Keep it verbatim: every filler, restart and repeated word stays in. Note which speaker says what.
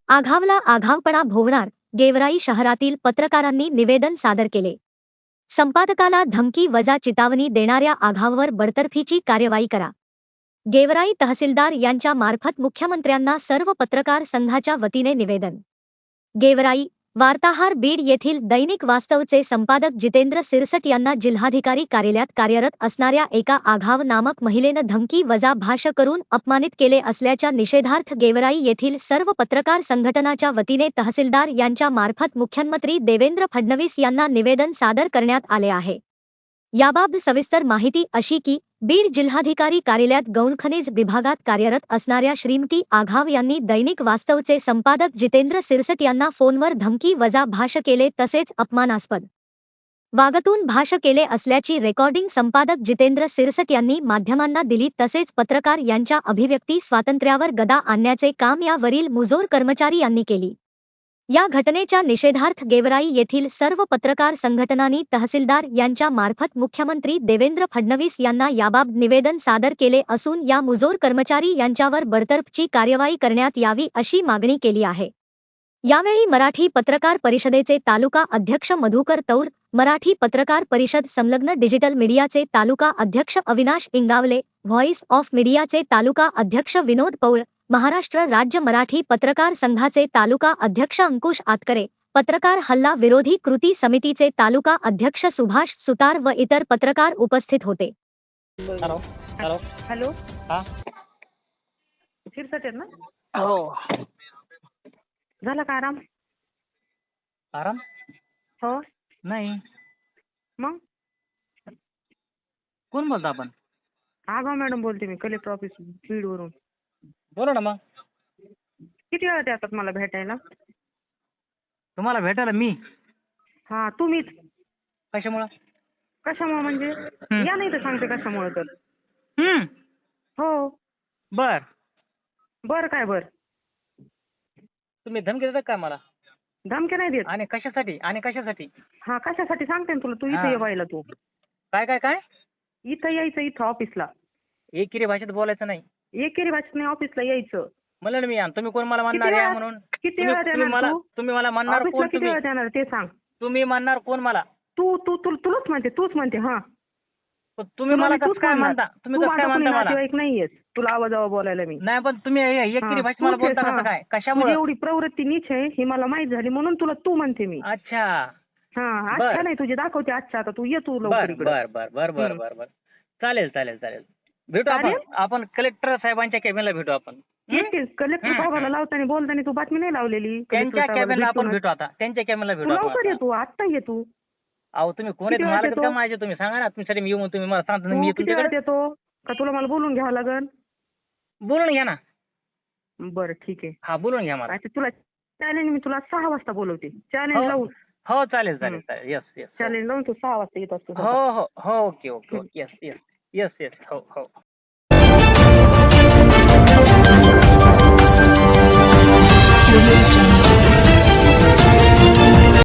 Speaker 1: आघावला आघावपणा भोवणार, गेवराई शहरातील पत्रकारांनी निवेदन सादर केले. संपादकाला धमकी वजा चितावणी देणाऱ्या आघाववर बडतर्फीची कार्यवाही करा. गेवराई तहसीलदार यांच्या मार्फत मुख्यमंत्र्यांना सर्व पत्रकार संघाच्या वतीने निवेदन. गेवराई वार्ताहर बीड येथील दैनिक वास्तवचे संपादक जितेंद्र सिरसट यांना जिल्हाधिकारी कार्यालयात कार्यरत असणाऱ्या एका आघाव नामक महिलेनं धमकी वजा भाष्य करून अपमानित केले असल्याच्या निषेधार्थ गेवराई येथील सर्व पत्रकार संघटनाच्या वतीने तहसीलदार यांच्या मार्फत मुख्यमंत्री देवेंद्र फडणवीस यांना निवेदन सादर करण्यात आले आहे. याबाबत सविस्तर माहिती अशी की बीड जिल्हाधिकारी कार्यालयात गौणखनिज विभागात कार्यरत असणाऱ्या श्रीमती आघाव यांनी दैनिक वास्तवचे संपादक जितेंद्र सिरसट यांना फोनवर धमकी वजा भाष्य केले तसेच अपमानास्पद वागतून भाष्य केले असल्याची रेकॉर्डिंग संपादक जितेंद्र सिरसट यांनी माध्यमांना दिली. तसेच पत्रकार यांच्या अभिव्यक्ती स्वातंत्र्यावर गदा आणण्याचे काम यावरील मुजोर कर्मचारी यांनी केली. या घटनेच्या निषेधार्थ गेवराई येथील सर्व पत्रकार संघटनांनी तहसीलदार यांच्या मार्फत मुख्यमंत्री देवेंद्र फडणवीस यांना याबाबत निवेदन सादर केले असून या मुजोर कर्मचारी यांच्यावर बडतर्फची कार्यवाही करण्यात यावी अशी मागणी केली आहे. यावेळी मराठी पत्रकार परिषदेचे तालुका अध्यक्ष मधुकर तौर, मराठी पत्रकार परिषद संलग्न डिजिटल मीडियाचे तालुका अध्यक्ष अविनाश इंगावले, व्हॉइस ऑफ मीडियाचे तालुका अध्यक्ष विनोद पौळ, महाराष्ट्र राज्य मराठी पत्रकार संघाचे तालुका अध्यक्ष अंकुश आतकरे, पत्रकार हल्ला विरोधी कृती समितीचे तालुका अध्यक्ष सुभाष सुतार व इतर पत्रकार उपस्थित होते.
Speaker 2: हॅलो हॅलो
Speaker 3: हॅलो
Speaker 2: हा
Speaker 3: सिरसट आहेत ना?
Speaker 2: हो.
Speaker 3: झाला का आराम?
Speaker 2: आराम
Speaker 3: हो.
Speaker 2: नाही.
Speaker 3: मग
Speaker 2: कोण बोलता आपण?
Speaker 3: आगाव मॅडम बोलते मी, कलेक्टर ऑफिस बीड वरून.
Speaker 2: बोला ना. मग
Speaker 3: किती वेळा येतात मला भेटायला?
Speaker 2: तुम्हाला भेटायला मी?
Speaker 3: हा तुम्हीच.
Speaker 2: कशामुळं?
Speaker 3: कशामुळे म्हणजे या नाही तर सांगते कशामुळे तर.
Speaker 2: हम्म
Speaker 3: हो.
Speaker 2: बर
Speaker 3: बर काय बर?
Speaker 2: तुम्ही धमकी देता काय मला?
Speaker 3: धमकी नाही देत.
Speaker 2: आणि कशासाठी? आणि कशासाठी?
Speaker 3: हा कशासाठी सांगते ना तुला. तू
Speaker 2: हा.
Speaker 3: इथं ये व्हायला. तू
Speaker 2: काय काय काय
Speaker 3: इथं यायचं, इथं ऑफिसला.
Speaker 2: एकेरी भाषेत बोलायचं नाही.
Speaker 3: एकेरी भाषेत नाही, ऑफिसला यायचं.
Speaker 2: मला ना मी आण. तुम्ही कोण मला
Speaker 3: किती
Speaker 2: म्हणणार या
Speaker 3: वेळा-
Speaker 2: म्हणून?
Speaker 3: किती
Speaker 2: तुम्ही
Speaker 3: वेळा
Speaker 2: तुम्ही
Speaker 3: देणार
Speaker 2: मला
Speaker 3: तू?
Speaker 2: तुम्ही मला म्हणणार
Speaker 3: ऑफिसला
Speaker 2: कोण?
Speaker 3: किती
Speaker 2: तुम्ही
Speaker 3: वेळा देणार ते सांग.
Speaker 2: तुम्ही म्हणणार कोण मला?
Speaker 3: तू तू तू तुलाच म्हणते, तूच म्हणते. हा
Speaker 2: पण तुम्ही
Speaker 3: तुला
Speaker 2: मला
Speaker 3: मी
Speaker 2: कसं
Speaker 3: तूच
Speaker 2: काय
Speaker 3: म्हणणार.
Speaker 2: म्हणता? तुम्ही
Speaker 3: तू
Speaker 2: कसं काय
Speaker 3: माझा कोणी
Speaker 2: म्हणता मला?
Speaker 3: नातेवाईक नाहीयेस तुला आवाजावा बोलायला मी.
Speaker 2: नाही पण तुम्ही एकेरी
Speaker 3: हा,
Speaker 2: भाषेत मला
Speaker 3: तूच आहेस,
Speaker 2: बोलता
Speaker 3: हा.
Speaker 2: कसं काय?
Speaker 3: तुझी
Speaker 2: कशामुळे?
Speaker 3: एवढी प्रवृत्ती नीच आहे ही मला माहित झाली म्हणून तुला तू म्हणते मी.
Speaker 2: अच्छा.
Speaker 3: हा
Speaker 2: बर.
Speaker 3: अच्छा नाही तुझी दाखवते अच्छा. आता तू ये तू लवकर
Speaker 2: बर
Speaker 3: इकडे.
Speaker 2: बर बर बर बर
Speaker 3: हम्म.
Speaker 2: बर बर चालेल चालेल चालेल. भेटू आपण.
Speaker 3: चालेल?
Speaker 2: आपण कलेक्टर साहेबांच्या कॅबिनला भेटू आपण. हं?
Speaker 3: येते कलेक्टर
Speaker 2: हम्म,
Speaker 3: साहेबाला
Speaker 2: हम्म.
Speaker 3: लावताना बोलताना तू बातमी नाही लावलेली. कलेक्टर
Speaker 2: त्यांच्या
Speaker 3: साहेबाला
Speaker 2: कॅबिनला आपण
Speaker 3: भेटूनच.
Speaker 2: भेटू आता. त्यांच्या कॅबिनला
Speaker 3: तू
Speaker 2: भेटू आपण
Speaker 3: लवकर ये
Speaker 2: आता.
Speaker 3: तू आत्ता ये तू.
Speaker 2: अहो तुम्ही कोण
Speaker 3: किती
Speaker 2: आहेत?
Speaker 3: वेळात
Speaker 2: मला
Speaker 3: येतो?
Speaker 2: का माझे तुम्ही सांगा ना. तुमच्यासाठी मी येऊन तुम्ही मला सांगता ना मी
Speaker 3: तू
Speaker 2: येतो
Speaker 3: किती वेळात
Speaker 2: तुमच्याकडे.
Speaker 3: येतो का तुला मला बोलून घ्यावं लागेल?
Speaker 2: बोलून घ्या ना.
Speaker 3: बरं ठीक आहे.
Speaker 2: हा बोलून घ्या मला.
Speaker 3: आता तुला चॅलेंज मी तुला सहा वाजता बोलवते. चॅलेंज
Speaker 2: हो
Speaker 3: लावून
Speaker 2: हो चालेल चालेल चालेल. Yes yes.
Speaker 3: चॅलेंज लावून तू सहा वाजता येत असतो.
Speaker 2: हो हो हो okay okay okay. Yes yes yes yes. हो हो.